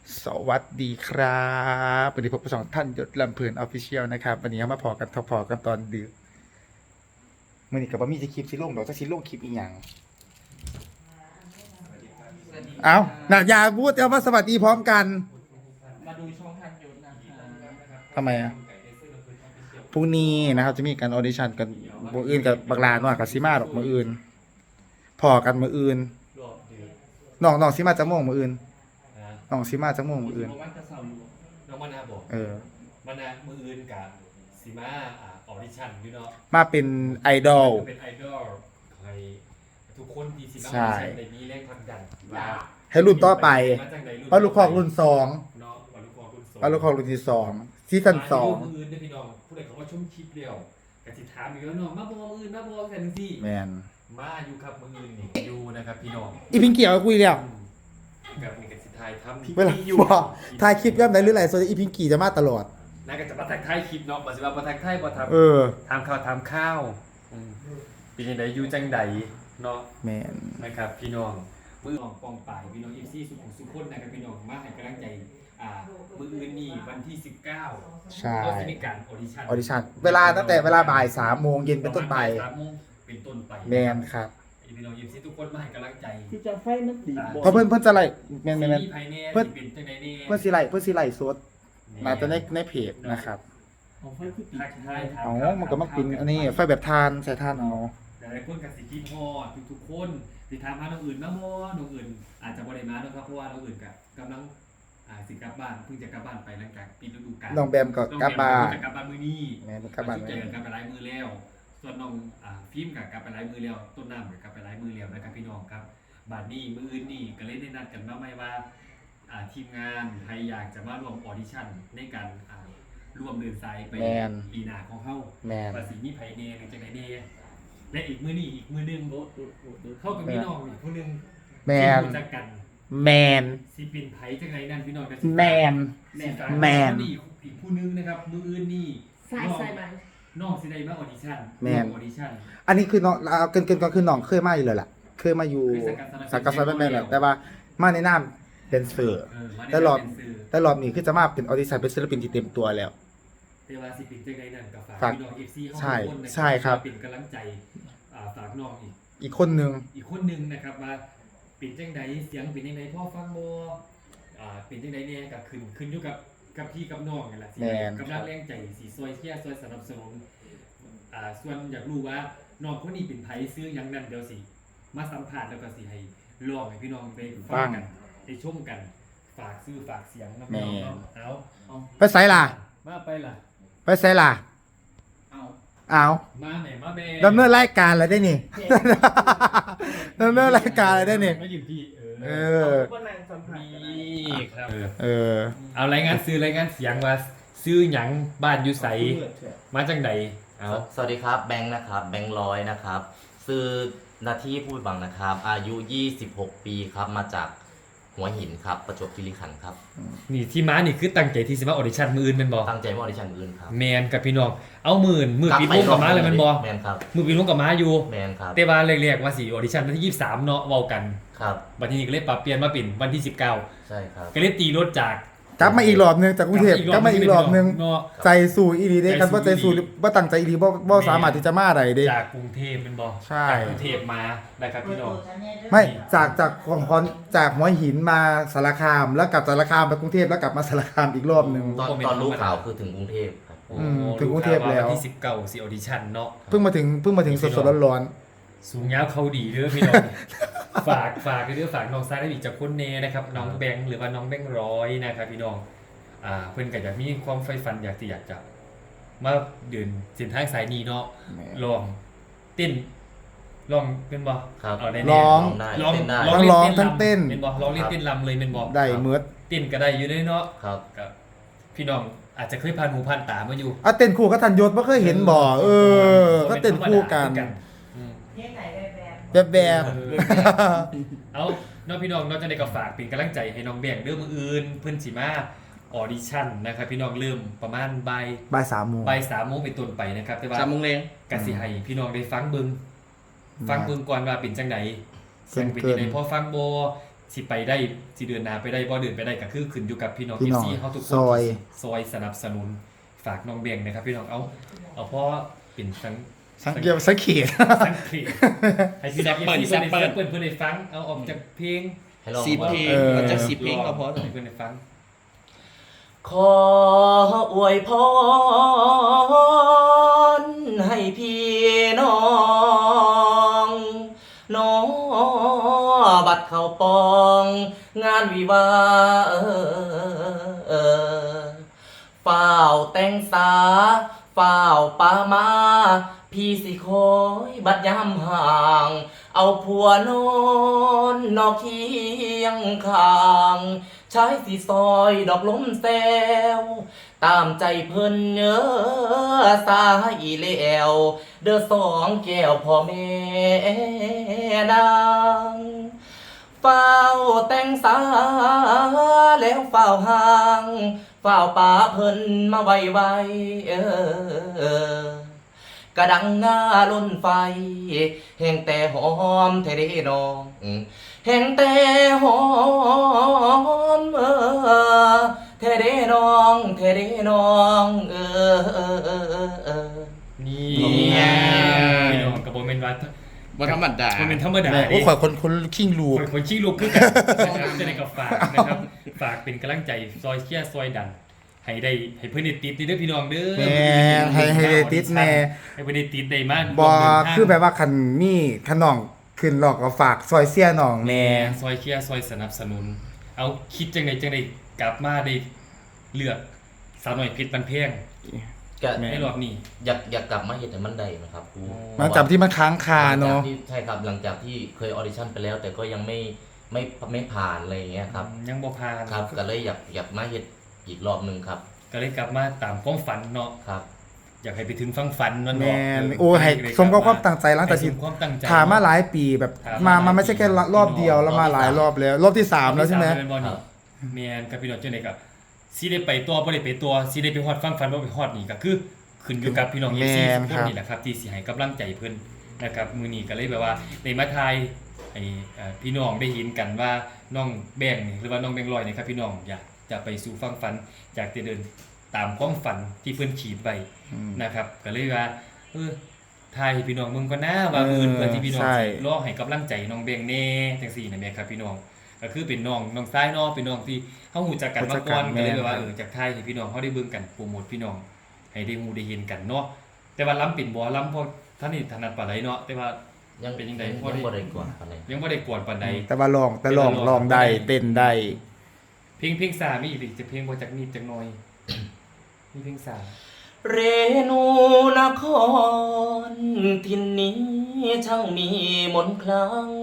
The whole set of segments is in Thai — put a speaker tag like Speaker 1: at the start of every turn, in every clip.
Speaker 1: สวัสดีครับวันนี้พบกับสองท่านยศลำเพลินออฟฟิเชียลนะครับวันนี้มาพอกันพอกันตอนดึกมื่อนี้กับว่ามีจะคลิปสิลงดอกจะสิลงคลิปอีกอย่างเอาน่ะอย่าพูดเอาว่าสวัสดีพร้อมกัน
Speaker 2: มาดูช่องทางยศนะครับ
Speaker 1: ทำไมอ่ะพรุ่งนี้นะครับจะมีการออดิชั่นกันมืออื่นกับบักลาหน่อยกับซิมาดอกมืออื่นพอกันมืออื่น
Speaker 2: รอบเดือน
Speaker 1: น้องซิมาจะม่วงมืออื่น
Speaker 2: นะ
Speaker 1: น้องซิมาจะม่วงมืออื่น
Speaker 2: น้องมันจะสาวน้องมานาบอกมานามืออื่นกับซีมาออดิชั่นอยู่เนาะ
Speaker 1: มาเป็นไอดอล
Speaker 2: เป็นไอดอลใครทุกคนที่ซีมาออดิชั่นในนี้แรงผลักดันว่า
Speaker 1: ให้รุ่นต่อไปเพราะลูกคอกรุ่นสอง
Speaker 2: เนาะว่าลูกคอกรุ่นสอง
Speaker 1: ว่าลูกคอกรุ่นที่สองซีซั่นสอง
Speaker 2: มืออื่นเนี่ยพี่น้องผู้ใดเขาว่าชมคลิปเดียวกสิถามอีกแล้วเนาะมาบอกมืออื่นมาบอกกันสิ
Speaker 1: แมน
Speaker 2: มาอยู่ครับมืออื่นนี่อยู่นะครับพี่น้อง
Speaker 1: อีพิงเกี่ยวกับคุยแล้ว
Speaker 2: กับนี่กับสิทายทำ
Speaker 1: เวลาบอกถ่ายคลิปย่ำไหนหรือไรโซนอีพิงกี่จะมาตลอด
Speaker 2: น่าจะมาทักทายคลิปเนาะมาสิว่ามาทักทายบ่ทำทำข้าวเป็นยังไงอยู่จังใดเนาะ
Speaker 1: แมน
Speaker 2: นะครับพี่น้องมือน้องปองป่ายพี่น้องFCสุขคนนะครับพี่น้องมาให้กำลังใจมืออื่นนี่วันที่19
Speaker 1: ใช่
Speaker 2: ก็จะมีการออดิ
Speaker 1: ชั่นเวลาตั้งแต่เวลาบ่าย3 โมงเย็นเป็นต้นไป
Speaker 2: 3 โมงเป็นต้นไป
Speaker 1: แมนครับ
Speaker 2: พี่น้องFCทุกคนมาให้กำลังใจ
Speaker 3: ที่จะไฟนักดี
Speaker 1: เพราะเพื่อนจะไล่แมน
Speaker 2: เพื่อน
Speaker 1: สิไล่สดมาจะในเพจนะครับ
Speaker 3: ของไฟคือติด
Speaker 1: อ๋อมันก็มักเป็นอันนี้ไฟแบบทานใส่ทานเอา
Speaker 2: แต่หลายคนกับสิกินฮอดทุกคนติดตามมาน้องอื่นมาบ่น้องอื่นอาจจะบ่ได้มานะครับเพราะว่าน้องอื่นกำลังสิกลับบ้านเพิ่งจะกลับบ้านไปหลังจากปิดฤดูกาล
Speaker 1: น้องแบมก็กลับบ้าน
Speaker 2: จะกลับบ้านมื้อนี้
Speaker 1: แม่กลับบ้าน
Speaker 2: เจอกันกลับไปหลายมื้อแล้วส่วนน้องฟิล์มก็กลับไปหลายมื้อแล้วต้นน้ำก็กลับไปหลายมื้อแล้วนะครับพี่น้องครับบัดนี้มื้ออื่นนี่ก็เลยได้นัดกันมาใหม่ว่าทีมงานใครอยากจะมาร่วมออดิชั่นในการร่วมเดินสายไปปีหน้าของเฮาว่าสิมีไผแน่หรือจังได๋แน่และอีกมื้อนี้อีกมื้อนึงเข้ากับพี่น้องอีกผู้นึง
Speaker 1: แมน
Speaker 2: รู้จักกัน
Speaker 1: แมน
Speaker 2: สิเป็นไผจังไดนั่นพี่น้องก็
Speaker 1: แมน
Speaker 2: อีกผู้นึงนะครับมื้ออื่นนี่
Speaker 3: ใส่ไหม
Speaker 2: น้องสิได้มาออดิชั่น
Speaker 1: แมน
Speaker 2: ออดิชั่น
Speaker 1: อันนี้คือน้องเกินก็คือน้องเคยมาอยู่เลยล่ะเคยมาอยู่สังกัดแม่แหละแต่ว่ามาในนามแดนเซอร์แต่รอบนี้คือจะมาเป็นออดิชั่นเป็นศิลปินที่เต็มตัวแล้ว
Speaker 2: แต่ว่าสิเป็นจังไดนั่นก็ฝากพี่น้อง FC เฮาทุกคน
Speaker 1: ใช่ครับ
Speaker 2: เป็นกำลังใจฝากน้อง
Speaker 1: อีกคนนึง
Speaker 2: นะครับว่าเป็นจังไดเสียงเป็นจังไดพ่อฟังบ่เป็นจังไดแน่ก็ขึ้นอยู่กับพี่กับน้องนั่นแหละสิกำลังแรงใจสิซอยเชียร์ซอยสนับสนุนส่วนอยากรู้ว่าน้องคนนี้เป็นไผซื้อหยังนั่นเดี๋ยวสิมาสัมภาษณ์แล้วก็สิให้ลองให้พี่น้องไปฟังกันได้ชมกันฝากซื้อฝากเสียงนะพี่น้องเอา
Speaker 1: ไปไสล่ะ
Speaker 2: มาไปล่ะ
Speaker 1: ไปไสล่ะเอา
Speaker 2: มาไหนมาแม่
Speaker 1: ดำเนินรายการอะไรได้นี่ดำเนินรายการอะไรได้นี่
Speaker 2: มาอยู่พี่
Speaker 3: ก็นางสัมผัส
Speaker 2: นี่ครับ
Speaker 1: เอา
Speaker 2: รายงานเสียงว่าซื้อหยังบ้านอยู่ไสมาจังใดเอา
Speaker 4: สวัสดีครับแบงค์นะครับแบงค์ร้อยนะครับซื้อนาที่พูดบังนะครับอายุ26 ปีครับมาจากหัวหินครับประจวบคีรีขันธ์ครับ
Speaker 2: นี่ที่ม้านี่คือตั้งใจที่สิมาออดิชั่นมื้ออื่นแม่นบ่
Speaker 4: ตั้งใจมาออดิชั่นมื้ออื่นครับ
Speaker 2: แมนกับพี่น้องเอามื้อปีลุงกับม้าเลยแม่นบ่
Speaker 4: แมนครับ
Speaker 2: มื้อปีลุงกับม้าอยู่
Speaker 4: แมนครับ
Speaker 2: แต่ว่าแรกๆว่าสิออดิชั่นวันที่23เนาะเว้ากัน
Speaker 4: ครับ
Speaker 2: บัดนี้ก็เลยปรับเปลี่ยนมาเป็นวันที่19
Speaker 4: ใช่ครับ
Speaker 2: ก็เลยตีรถจาก
Speaker 1: กลับมาอีกรอบนึงจากกรุงเทพกลับมาอีกรอบนึงใจสู้อีหลีเด้กันบ่ใจสู้บ่ตั้งใจอีหลีบ่สามารถที่จะมาได้เด้
Speaker 2: จากกรุงเทพแม่นบ่
Speaker 1: ใช่
Speaker 2: กรุงเทพมานะครับพี่น้อง
Speaker 1: ไม่จากหัวหินมาสารคามแล้วกลับสารคามไปกรุงเทพแล้วกลับมาสารคามอีกรอบนึง
Speaker 4: ตอนรู้ข่าวคือถึงกรุงเทพครับ
Speaker 1: ถึงกรุงเทพแล้ว
Speaker 2: วันที่19สิออดิชั่นเนาะ
Speaker 1: เพิ่งมาถึงสดๆร้อน
Speaker 2: ๆสูงยาวเขาดีเด้อพี่น้องฝากเด้อฝากน้องซ้ายได้อีกจากคนแน่นะครับน้องแบงค์หรือว่าน้องแบงค์ร้อยนะครับพี่น้องเพิ่นก็อยากมีความใฝ่ฝันอยากจะมาเดินเส้นทางสายนี้เนาะลองเต้นลองเป็นบ่
Speaker 4: ครับ
Speaker 2: ได้
Speaker 1: ร้องทั้งเต้น
Speaker 2: เป็นบ่ร้องเล่นเต้นรำเลยเป็นบ่
Speaker 1: ได้เมิด
Speaker 2: เต้นก็ได้อยู่ด้วยเนาะ
Speaker 4: ครับ
Speaker 2: กับพี่น้องอาจจะเคยผ่านหูผ่านตามาอยู่
Speaker 1: เต้นคู่กับทันยศบ่เคยเห็นบ่ก็เต้นคู่กันแบบ
Speaker 2: เอาน้องพี่น้องจะได้ก็ฝากเป็นกำลังใจให้น้องแบงค์เด้อมื้ออื่นเพิ่นสิมาออดิชั่นนะครับพี่น้องเริ่มประมาณบ่าย
Speaker 1: 3 โมง
Speaker 2: เป็นต้นไปนะครับแต่ว่า
Speaker 3: 3 โมงแลง
Speaker 2: ก็สิให้พี่น้องได้ฟังเบิ่งก่อนว่าเป็นจังไดเสียงเป็นจังไดพอฟังบ่สิไปได้สิเดือนหน้าไปได้บ่เดือนไปได้ก็คือขึ้นอยู่กับพี่น้อง
Speaker 1: พี่น้อง
Speaker 2: FC เฮาทุกคน
Speaker 1: ซอย
Speaker 2: ซอยสนับสนุนฝากน้องเบงนะครับพี่น้องเอาเพราะเป็นทั้ง
Speaker 1: สังเกตสังเกต
Speaker 2: ทั้งเพลงให้พี่น้อง FC เพิ่นได้ฟังเอาออกจากเพลง
Speaker 4: ให้ลอง
Speaker 3: 10 เพลงเราจะ10 เพลงก็พอ
Speaker 2: ให้เพิ่นได้ฟัง
Speaker 4: ขออวยพรให้พี่น้องน้อบัดเข้าปองงานวิวาฝ้าวแต่งสาฝ้าวปามาพี่สิคอยบัดยามห่าง เอาผัวนอนนอกเคียงข้างใช้สิซอยดอกล้มแซวตามใจเพิ่นเนื้อสายแล้วเด้อสองแก้วพ่อแม่นางเฝ้าแต่งสาแล้วเฝ้าห่างเฝ้าป่าเพิ่นมาไวกระดังหน้าล้นไฟแห่งแต่หอมเทเดน้องแห่งแต่หอมเทเดน้องเทเดน้อง
Speaker 2: นี่
Speaker 3: เนี่ย
Speaker 2: พี่น้องกับโบเมนวัด
Speaker 3: บ่ธรรมดา
Speaker 2: โบเมนธรรมดา
Speaker 1: โอ้ยข่อยคนคิงลูก
Speaker 2: คนชี้ลูกคือกันนะครับจะได้กับฝากนะครับฝากเป็นกำลังใจซอยเชียร์ซอยดันให้ได้ให้เพื่อนได้ติดนี่เด้อพี่น้องเด้อ
Speaker 1: แม่ให้ได้ติดแน่
Speaker 2: ให้เพื่อนได้ติดได้มาก
Speaker 1: บ่คือแบบว่าคันมีคันน้องขึ้นหลอกก็ฝากซอยเสียน้องแน่
Speaker 2: ซอยเชียร์ซอยสนับสนุน เอาคิดจังไดกลับมาได้เลือกสาวหน่อยเพชรบันเพียง
Speaker 4: ก็
Speaker 2: ในรอบนี้
Speaker 4: อยากกลับมาเห็นให้มันได้นะครับครู
Speaker 1: หลังจากที่มันค้างคาเนาะ
Speaker 4: ใช่ครับหลังจากที่เคยออดิชั่นไปแล้ว แต่ก็ยังไม่ผ่านอะไรอย่างเงี้ยครับ
Speaker 2: ยังบ่ผ่าน
Speaker 4: ครับก็เลยอยากมาเห็นอีกรอบหนึ่งครับ
Speaker 2: ก็เลยกลับมาตามความฝันเนาะ
Speaker 4: ครับ
Speaker 2: อยากให้ไปถึงฟังฝันมัน
Speaker 1: แม
Speaker 2: เนาะ
Speaker 1: นโอ้ให้สมกับความตั้งใจหลังจากที่
Speaker 2: ให้สมความตั้งใจ
Speaker 1: ถามมาหลายปีแบบมาไม่ใช่แค่รอบเดียวแล้วมาหลายรอบแล้ว รอบที่3แล้วใช่ไหม
Speaker 4: ครับ
Speaker 2: แมนกับพี่น้องจังได๋ก็สิได้ไปตัวบ่ได้ไปตัวสิได้ไปฮอดฟังฝันบ่ไปฮอดนี่ก็คือขึ้นอยู่กับพี่น้อง FC ทุกคนนี่แหละครับที่สิให้กำลังใจเพิ่นนะครับมื้อนี้ก็เลยแบบว่าได้มาทายให้พี่น้องได้เห็นกันว่าน้องแบงค์นี่หรือว่าน้องแบงค์ลอยนี่ครับพี่น้องอยากจะไปสู่ฟังฝันอยากจะเดินตามความฝันที่เพิ่นขีดไว้นะครับก็เลยว่าทายให้พี่น้องมึงก็น่าว่าเพื่อที่พี่น้องสิรอให้กำลังใจน้องแบงค์แน่จังซี่นะแม่ครับพี่น้องก็คือเป็นน้องซ้ายเนาะเป็นน้องที่เฮาฮู้จักกันมาก่อนก็เลยแบบว่าจากทายให้พี่น้องเฮาได้เบิ่งกันโปรโมทพี่น้องให้ได้ฮู้ได้เห็นกันเนาะแต่ว่าล้ำเป็นบ่ล้ำเพราะท่านนี่ถนัดปานใดเนาะแต่ว่า
Speaker 4: ยัง
Speaker 2: เป็นยังไง
Speaker 4: ยังบ่ได้ก่อนอะไร
Speaker 2: ยังบ่ได้กวนปานใด
Speaker 1: แต่ว่าลองได้เต้นได้
Speaker 2: เพลงสามีอีกดิจะเพลงบ่จักนิดจักหน่อยมีเพลงสา
Speaker 4: เรนูนครทินนี้ช่างมีมนต์คลัง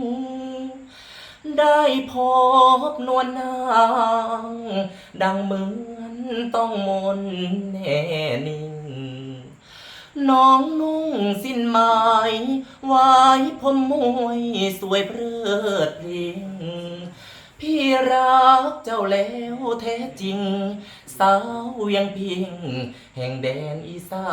Speaker 4: ได้พบนวลนางดังเหมือนต้องมนต์แน่นิ่งน้องนุ่งสิ้นไม้ไว้ผมมวยสวยเพลิดเพลิงพี่รักเจ้าแล้วแท้จริงสาวเวียงพิงแห่งแดนอีสาน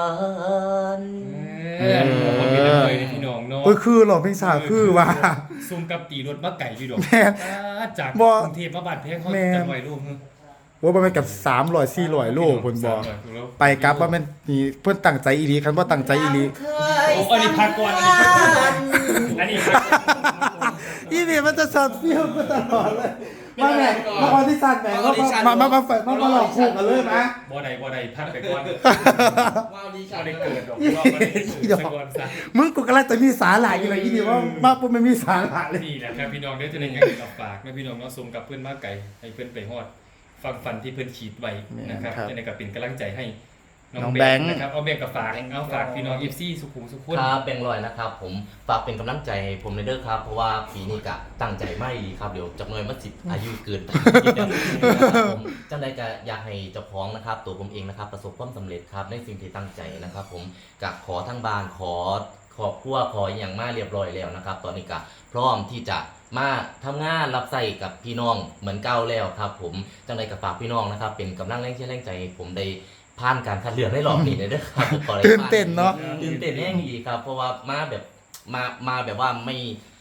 Speaker 2: คนมีเลยในพี่น้องเนาะ
Speaker 1: ก็คือหลอกเพลงสาวคือว่า
Speaker 2: ซุ่มกับตีรถมาไก่อยู่ดอก
Speaker 1: แม่น
Speaker 2: จาก
Speaker 1: บ่
Speaker 2: กรุงเทพมาบ้านแพงเขา
Speaker 1: แม่น
Speaker 2: จังไว้ลูก
Speaker 1: ว่ามันเป็นกับ300 400โลเพิ่นบอก
Speaker 2: 300โล
Speaker 1: ไปกลับว่ามันนี่เพิ่นตั้งใจอีหลีคันบ่ตั้งใจอีหลี
Speaker 2: โอ้อันนี้พักก่อนอันนี้พักก่อน
Speaker 1: อีนี่มันจะสอดเฟี้ยวมาตลอดเลยมาแม่มาออดิชั่นแม่มาหลอกคู่กันเลยนะ
Speaker 2: บ่ได้พักไปก่อน
Speaker 3: ว้าวดี
Speaker 2: บ่
Speaker 3: จัง
Speaker 2: ได้เกิดดอกบ่ได้เกิดซะก่อนซะ
Speaker 1: มึงกูกำลังจะมีสาหร่ายอยู่เลยอีนี่ว่ามาปุ๊บมันมีสาหร่ายเลย
Speaker 2: นี่แหละครับพี่น้องเด้อจะได้ยังกับฝากนะพี่น้องเนาะสมกับเพื่อนมาไก่ให้เพื่อนไปฮอดฟังฟันที่เพื่อนขีดไว้นะครับจะได้กับเป็นกำลังใจให้น้องแบงค์นะครับเอาแบงค์กับฝากเอาฝากพี่น้อง FC สุขุมสุขคน
Speaker 4: ครับแบงค์ลอยนะครับผมฝากเป็นกำลังใจให้ผมในเด้อครับเพราะว่าปีนี้กะตั้งใจไม่ดีครับเดี๋ยวจักหน่อยมาสิอายุเกินไปนะครับผมจังใดก็อยากให้เจ้าของนะครับตัวผมเองนะครับประสบความสำเร็จครับในสิ่งที่ตั้งใจนะครับผมกับขอทั้งบ้านขอครอบครัวขออย่างมาเรียบร้อยแล้วนะครับตอนนี้ก็พร้อมที่จะมาทำงานรับใส่กับพี่น้องเหมือนเก่าแล้วครับผมจังใดก็ฝากพี่น้องนะครับเป็นกำลังแรงเชียร์แรงใจให้ผมได้ผ่านการคัดเลือกได้รอบนี้เลยนะครับขอให้
Speaker 1: ตื่นเต้นเนาะ
Speaker 4: ตื่นเต้นแน่ดีครับ เพราะว่ามาแบบมาแบบว่าไม่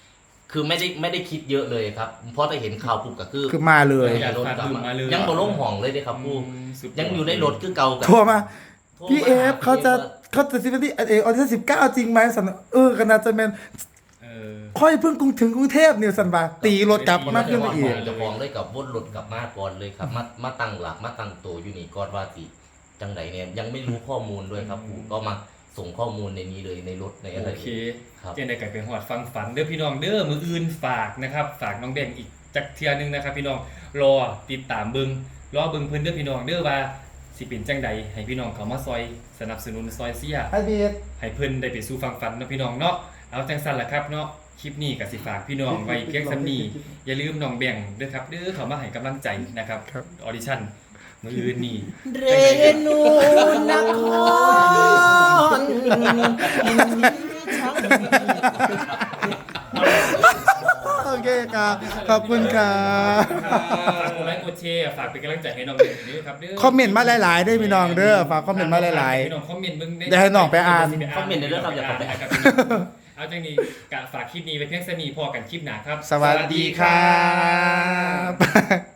Speaker 4: คือไม่ได้คิดเยอะเลยครับเพราะแต่เห็นข่าวปุ๊บก็คือ
Speaker 1: คือมาเลย
Speaker 4: รถกลับมายังบ่ลงห้องเลยเด้ครับผู้
Speaker 2: สุด
Speaker 4: ยังอยู่ในรถคือเก่ากับ
Speaker 1: โทรมา
Speaker 4: โทร
Speaker 1: พี่
Speaker 4: มา
Speaker 1: เอฟ
Speaker 4: ห
Speaker 1: เขาจะซิมที่ออดิชั่น19 จริงไหมสันก็น่าจะแม่น
Speaker 2: เออ
Speaker 1: ค่อยเพิ่งถึงกรุงเทพเนี่ยสันบาตีรถกลับมากขึ้นไปอีก
Speaker 4: จะฟ้องเลยกับวนรถกลับมาก่อนเลยครับมาตั้งหลักมาตั้งตัวอยู่นี่ก่อนว่าสิจังไดเนี่ยยังไม่รู้ข้อมูลด้วยครับผู้ก็มาส่งข้อมูลในนี้เลยในรถในอะไร
Speaker 2: โอเค
Speaker 4: ครับ
Speaker 2: เจนได้กลายเป็นหอดฟังฝันเด้อพี่น้องเด้อมืออื่นฝากนะครับฝากน้องแดงอีกจักเทื่อนึงนะครับพี่น้องรอติดตามเบิ่งรอเบิ่งเพิ่นเด้อพี่น้องเด้อว่าสิเป็นจังใดให้พี่น้องเข้ามาซอยสนับสนุนซอยเสีย
Speaker 1: ไอเบียด
Speaker 2: ให้เพิ่นได้ไปสู่ฟังฝันเนาะพี่น้องเนาะเอาจังซั่นล่ะครับเนาะคลิปนี้ก็สิฝากพี่น้องไว้เพียงส่ำนี้อย่าลืมน้องแบ่งเด้อครับเด้อเข้ามาให้กำลังใจนะครับออดิชั่นมื้ออื่นนี่
Speaker 4: เรนูนคร
Speaker 1: โอเคครับขอบคุณครับ
Speaker 2: ฝากกดไลค์กดแชร์ฝากเป็นกำลังใจให้น้องเด้อด้วยครับเด้อ
Speaker 1: คอมเมนต์มาหลายๆได้พี่น้องเด้อฝากคอมเมนต์มาหลาย
Speaker 2: พี่น้องคอมเมนต์เบิ่ง
Speaker 1: เดี๋ยวให้น้องไปอ่าน
Speaker 4: คอมเมนต์ในเรื่องครับอย่าเข้าไปอ่าน
Speaker 2: เอาจังนี้กะฝากคลิปนี้ไว้เพียงเท่านี้พอกันคลิปหน้าครับ
Speaker 1: ๆ สวัสดีครับ